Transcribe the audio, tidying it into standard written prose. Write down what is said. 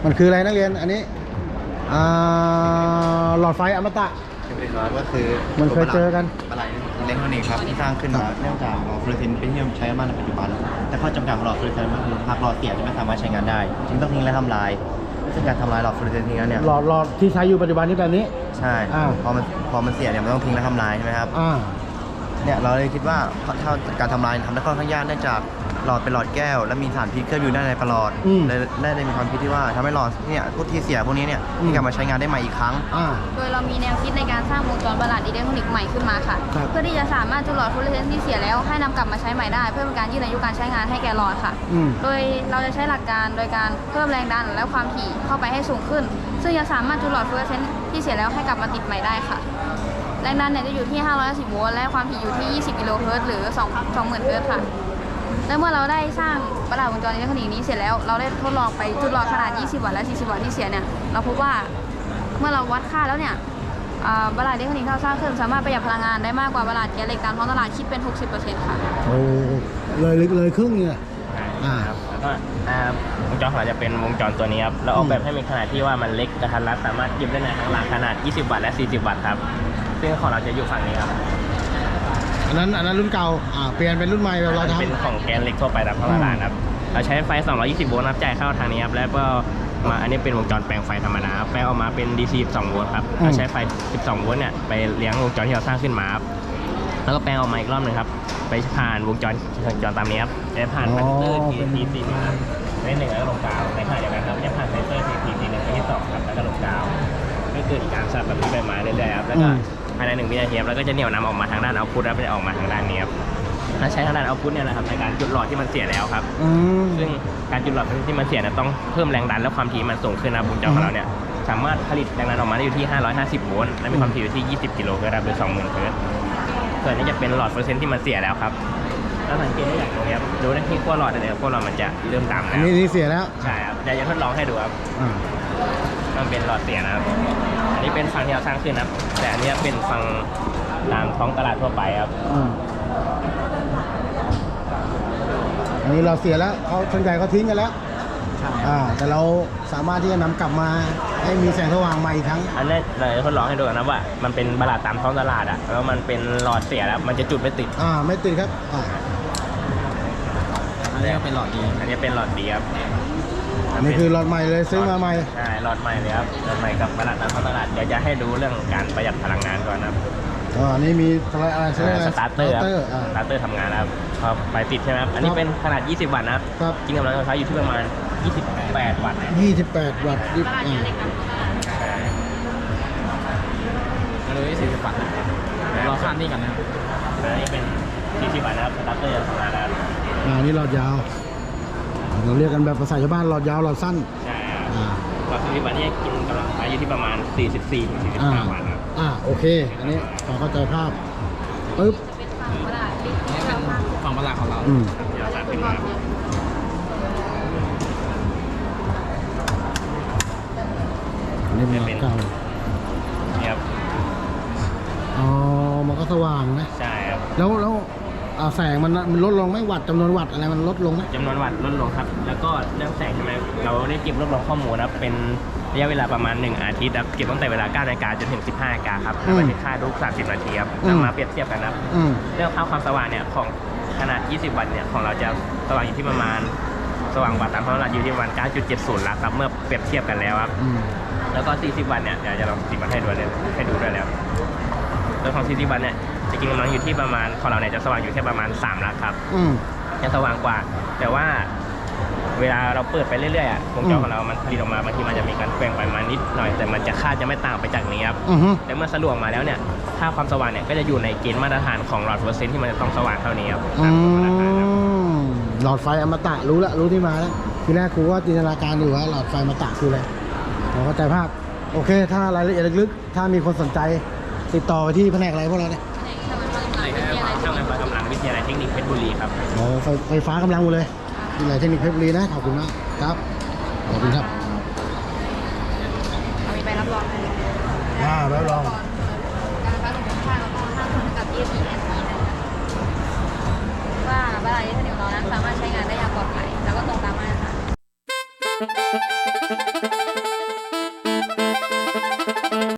มันคืออะไรนักเรียนอันนี้หลอดไฟอมตะก็คือมันเคยเจอกันอะไรอิเล็กทรอนิกส์ครับที่สร้างขึ้นมาเนื่องจากหลอดฟลูออเรสเซนต์เป็นที่ใช้มากในปัจจุบันแต่ข้อจำกัดของหลอดฟลูออเรสเซนต์ก็คือหากหลอดเสียจะไม่สามารถใช้งานได้จึงต้องทิ้งและทำลายซึ่งการทำลายหลอดฟลูออเรสเซนต์ทิ้งแล้วเนี่ยหลอดที่ใช้อยู่ปัจจุบันนี้แบบนี้ใช่พอมันเสียเนี่ยมันต้องทิ้งและทำลายใช่ไหมครับเนี่ยเราเลยคิดว่าถ้าการทำลายทำได้ค่อนข้างยากเนื่องจากหลอดเป็นหลอดแก้วและมีสารพิษเคลือบอยู่ด้านในปลอดได้มีความคิดที่ว่าทำให้หลอดเนี่ยพวกที่เสียพวกนี้เนี่ยกลับมาใช้งานได้ใหม่อีกครั้งโดยเรามีแนวคิดในการสร้างวงจรประหลาดอิเล็กทรอนิกส์ใหม่ขึ้นมาค่ะเพื่อที่จะสามารถจุดหลอดฟลูออเรสเซนต์ที่เสียแล้วให้นำกลับมาใช้ใหม่ได้เพื่อเป็นการยืดอายุการใช้งานให้แก่หลอดค่ะโดยเราจะใช้หลักการโดยการเพิ่มแรงดันและความถี่เข้าไปให้สูงขึ้นซึ่งจะสามารถจุดหลอดฟลูออเรสเซนต์ที่เสียแล้วให้กลับมาติดใหม่ได้ค่ะแรงดันเนี่ยจะอยู่ที่510โวลต์และความถี่อยู่ที่20กิโลเฮิรตซ์หรือ20,000เฮิรตซ์ค่ะและเมื่อเราได้สร้างประหลาดวงจรอิเล็กทรอนิกส์นี้เสร็จแล้วเราได้ทดลองไปจุดหลอดขนาด20วัตต์และ40วัตต์ที่เสียเนี่ยเราพบว่าเมื่อเราวัดค่าแล้วเนี่ยประหลาดอิเล็กทรอนิกส์ที่เราสร้างขึ้นสามารถประหยัดพลังงานได้มากกว่าประหลาดแกนเหล็กตามท้องตลาดคิดเป็น 60% ค่ะโอ้เลยครึ่งเนี่ยครับแล้วก็วงจรของเราจะเป็นวงจรตัวนี้ครับเราออกแบบให้มีขนาดที่ว่ามันเล็กกระทัดรัดสามารถหยิบได้ในข้างหลังขนาด20วัตต์และ40วัตต์ครับซึ่งของเราจะอยู่ฝั่งนี้ครับอันนั้นรุ่นเก่าเปลี่ยนเป็นรุ่นใหม่แบบเราทำเป็นของแกนเล็กทั่วไปตามท้องตลาดครับเราใช้ไฟ220โวลต์จ่ายเข้าทางนี้ครับแล้วก็มาอันนี้เป็นวงจรแปลงไฟธรรมดาแปลงออกมาเป็น DC 12โวลต์ครับเราใช้ไฟ12โวลต์เนี่ยไปเลี้ยงวงจรที่เราสร้างขึ้นมาครับแล้วก็แปลงออกมาอีกรอบหนึ่งครับไปผ่านวงจรตามนี้ครับจะผ่านคอนเตอร์ TT4 ครับใน1แล้วก็ลงกาวในขณะเดียวกันครับจะผ่านเซนเซอร์ TT1 ไปที่2ครับแล้วก็ลงกาวก็เกิดการสลับแบบนี้ไปมาเรื่อยๆครับแล้วก็ภายใน1 วินาทีแล้วก็จะเหนี่ยวนำออกมาทางด้านเอาท์พุตแล้วจะออกมาทางด้านนี้ครับและใช้ทางด้านเอาท์พุตเนี่ยนะครับในการจุดหลอดที่มันเสียแล้วครับซึ่งการจุดหลอดที่มันเสียเนี่ยต้องเพิ่มแรงดันและความถี่มันสูงขึ้นนะวงจรของเราเนี่ยสามารถผลิตแรงดันออกมาได้อยู่ที่550โวลต์และมีความถี่อยู่ที่20กิโลเฮิรตซ์หรือ20,000เฮิรตซ์ส่วนนี้จะเป็นหลอดเปอร์เซ็นต์ที่มันเสียแล้วครับแล้วสังเกตได้อย่างตรงนี้ครับดูได้ที่ขั้วหลอดเนี่ยขั้วหลอดมันจะเริ่มดำแล้วนี่เสียแล้วใช่ครับเดี๋ยวจะทดลองให้ดูครับมันเป็นหลอดเสียนะครับอันนี้เป็นฟังที่เราสร้างขึ้นครับแต่อันนี้เป็นฟังตามท้องตลาดทั่วไปครับอันนี้เราเสียแล้วเขาส่วนใหญ่เขาทิ้งกันแล้วแต่เราสามารถที่จะนำกลับมาให้มีแสงสว่างใหม่อีกครั้งอันนี้เราจะทดลองให้ดูนะว่ามันเป็นตลาดตามท้องตลาดแล้วมันเป็นหลอดเสียแล้วมันจะจุดไม่ติดไม่ติดครับอันนี้เป็นหลอดดีอันนี้เป็นหลอดดีครับอันนี้คือหลอดใหม่เลยซื้อมาใหม่ใช่หลอดใหม่เลยครับหลอดใหม่กับตลาดตามท้องตลาดเดี๋ยวจะให้ดูเรื่องการประหยัดพลังงานก่อนครับอันนี้มีอะไรสตาร์เตอร์ทำงานครับพอไปติดใช่ไหมครับอันนี้เป็นขนาด20วัตต์นะครับจริงกำลังไฟฟ้าอยู่ที่ประมาณ28วัตต์ 28วัตต์เลย40วัตต์เราข้ามนี่กันนะอันนี้เป็น40วัตต์นะครับสตาร์เตอร์ทำงานแล้วนี่หลอดยาวเราเรียกกันแบบภาษาชาวบ้านหลอดยาวหลอดสั้นใช่หลอด40วัตต์นี่กินกำลังไฟอยู่ที่ประมาณ44-45วัตต์ครับโอเคอันนี้พอเข้าใจภาพปึ๊บฝั่งประหลาดของเราเดี๋ยวตัดขึ้นมาอันนี้เป็นเก่าครับมันก็สว่างนะใช่ครับแล้วแสงมันลดลงไหมวัตต์จำนวนวัตต์อะไรมันลดลงไหมจำนวนวัตต์ลดลงครับแล้วก็เรื่องแสงใช่ไหมเราได้เก็บรวบรวมข้อมูลนะเป็นระยะเวลาประมาณ1อาทิตย์ครับเก็บตั้งแต่เวลา 9 นาฬิกาจนถึง 15 นาฬิกาครับแล้วก็ค่าทุก30 นาทีครับมาเปรียบเทียบกันนะเรื่องค่าความสว่างเนี่ยของขนาด20วัตต์เนี่ยของเราจะสว่างอยู่ที่ประมาณสว่างกว่าตามท้องตลาดอยู่ที่ประมาณ 9.70 ลักครับเมื่อเปรียบเทียบกันแล้วครับแล้วก็40วัตต์เนี่ยเดี๋ยวจะลอง10วัตต์ให้ดูด้วยแล้วโดยของ40วัตต์เนี่ยจะกินกำลังอยู่ที่ประมาณของเราเนี่ยจะสว่างอยู่แค่ประมาณ3ลักครับจะสว่างกว่าแต่ว่าเวลาเราเปิดไปเรื่อยๆวงจรของเรามันผลิตออกมาบางทีมันจะมีการแกว่งไปมานิดหน่อยแต่มันจะค่าจะไม่ต่างไปจากนี้ครับแต่เมื่อสรุปออกมาแล้วเนี่ยค่าความสว่างเนี่ยก็จะอยู่ในเกณฑ์มาตรฐานของหลอดเปอร์เซ็นต์ที่มันจะต้องสว่างเท่านี้ครับหลอดไฟอมตะรู้ที่มาแล้วทีแรกครูว่าจินตนาการอยู่ว่าหลอดไฟอมตะคืออะไรเราเข้าใจภาพโอเคถ้ารายละเอียดลึกๆถ้ามีคนสนใจติดต่อไปที่แผนกอะไรพวกเราเนี่ยช่างไฟฟ้ากำลังวิทยาลัยเทคนิคเพชรบุรีครับไฟฟ้ากำลังหมดเลยวิทยาลัยเทคนิคเพชรบุรีนะขอบคุณมากครับขอบคุณครับมีใบรับรองไหมใบรับรองการไฟฟ้าส่งข้างแล้วก็ห้างส่งกับ ESPNC ว่าบ้านอิเล็กทรอนิกส์ของเรานั้นสามารถใช้งานได้อย่างปลอดภัยแล้วก็ตรงตามมาตรฐาน